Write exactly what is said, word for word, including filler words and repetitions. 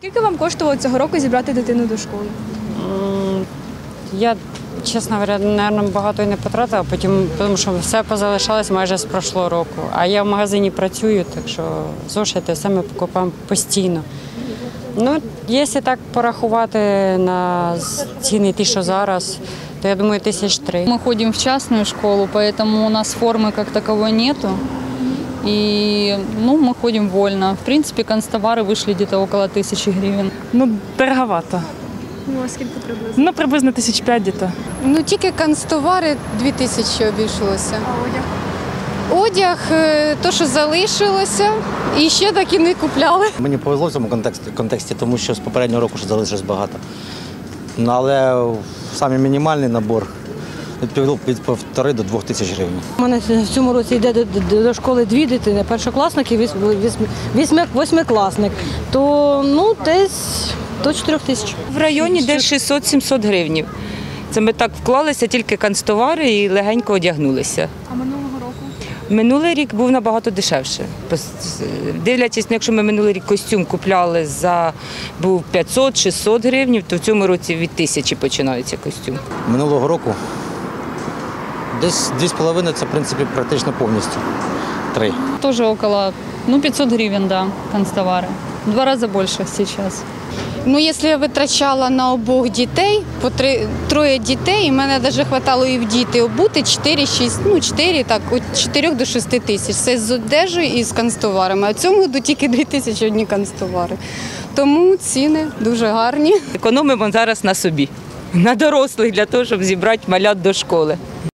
Скільки вам коштувало цього року зібрати дитину до школи? Я, чесно говоря, мабуть, багато і не потратила, потім, тому що все позалишалось майже з прошлого року. А я в магазині працюю, так що зошити все ми покупаємо постійно. Ну, якщо так порахувати на ціни ті, що зараз, то я думаю, тисяч три. Мы ходим в частную школу, поэтому у нас формы как таковой нету. И ну, мы ходим вольно. В принципе, канцтовары вышли где-то около тысячи гривен. Ну, дороговато. Ну, а скільки приблизно? Ну, приблизно тисяч п'ять десь. Ну, тільки канцтовари дві тисячі обійшлося. А одяг? Одяг, е, то, що залишилося, і ще так і не купляли. Мені повезло в цьому контексті, контексті, тому що з попереднього року ще залишилось багато. Ну, але саме мінімальний набор від півтори до двох тисяч гривень. У мене в цьому році йде до, до, до школи дві дитини, першокласник і восьмикласник. То ну, десь до чотирьох тисяч. В районі десь шістсот-сімсот гривень. Це ми так вклалися, тільки канцтовари і легенько одягнулися. А минулого року? Минулий рік був набагато дешевше. Дивлячись, ну, якщо ми минулий рік костюм купляли за був п'ятсот-шістсот гривень, то в цьому році від тисячі починається костюм. Минулого року десь дві з половиною – це, в принципі, практично повністю. Три. Тоже около ну, пятьсот гривен, да, канцтовары. В два раза больше сейчас. Ну, якщо я витрачала на обох дітей, по три, троє дітей, і мене навіть вистачало і в діти обути чотири-шість, ну чотири, так, від чотирьох до шести тисяч. Це з одежею і з канцтоварами. А в цьому году тільки дві тисячі одні канцтовари. Тому ціни дуже гарні. Економимо зараз на собі, на дорослих, для того, щоб зібрати малят до школи.